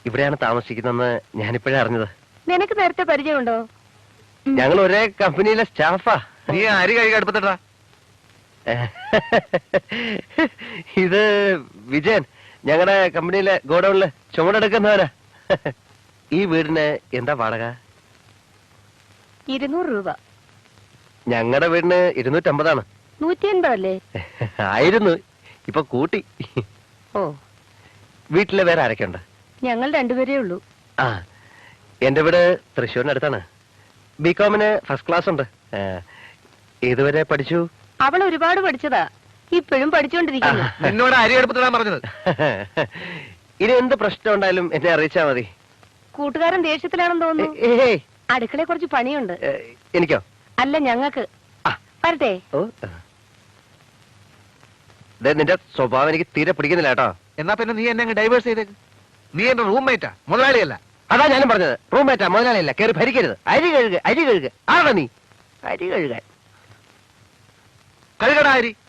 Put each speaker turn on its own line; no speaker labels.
ഇവിടെയാണ് താമസിക്കുന്നതെന്ന് ഞാനിപ്പോഴേ അറിഞ്ഞത്.
നിനക്ക് നേരത്തെ പരിചയമുണ്ടോ?
ഞങ്ങൾ ഒരേ കമ്പനിയിലെ സ്റ്റാഫാ.
നീ അരി കഴുകി അടുപ്പത്തിട്ടാ.
ഇത് വിജയൻ, ഞങ്ങളുടെ കമ്പനിയിലെ ഗോഡൌണില് ചുമടെടുക്കുന്നവനാ. ഈ വീടിന് എന്താ വാടക?
200 രൂപ.
ഞങ്ങളുടെ വീടിന് 250
180 അല്ലേ?
ആയിരുന്നു, ഇപ്പൊ കൂട്ടി.
ഓ,
വീട്ടിലെ വേറെ ആരൊക്കെ ഉണ്ട്?
ഞങ്ങൾ രണ്ടുപേരേ ഉള്ളൂ.
ആ, എന്റെ വീട് തൃശ്ശൂരിനടുത്താണ്. ബികോമിന് ഫസ്റ്റ് ക്ലാസ് ഉണ്ട്. ഏതുവരെ പഠിച്ചു?
അവൾ ഒരുപാട് പഠിച്ചതാ, ഇപ്പോഴും പഠിച്ചുകൊണ്ടിരിക്കുന്നു.
നിന്നോട് അരി അടുപ്പത്തിടാൻ പറഞ്ഞത്.
ഇനി എന്ത് പ്രശ്നം ഉണ്ടായാലും എന്നെ അറിയിച്ചാ മതി.
കൂട്ടുകാരൻ ദേഷ്യത്തിലാണെന്ന് തോന്നുന്നു.
ഏയ്,
അടുക്കളയെ കുറച്ച് പണിയുണ്ട്.
എനിക്കോ?
അല്ല, ഞങ്ങൾക്ക്. വരട്ടെ.
ഓ, നിന്റെ സ്വഭാവം എനിക്ക് തീരെ പിടിക്കുന്നില്ല കേട്ടോ.
എന്നാ പിന്നെ നീ എന്നെ ഡൈവേഴ്സ് ചെയ്തേക്ക്. നീ എന്റെ റൂംമേറ്റാ, മുതലാളിയല്ല.
അതാ ഞാനും പറഞ്ഞത്, റൂംമേറ്റാ, മുതലാളിയല്ല. കയറി ഭരിക്കരുത്. അരി കഴുകുക, അരി കഴുകുക. ആണോ നീ അരി കഴുകാൻ?
കഴുകടാ അരി.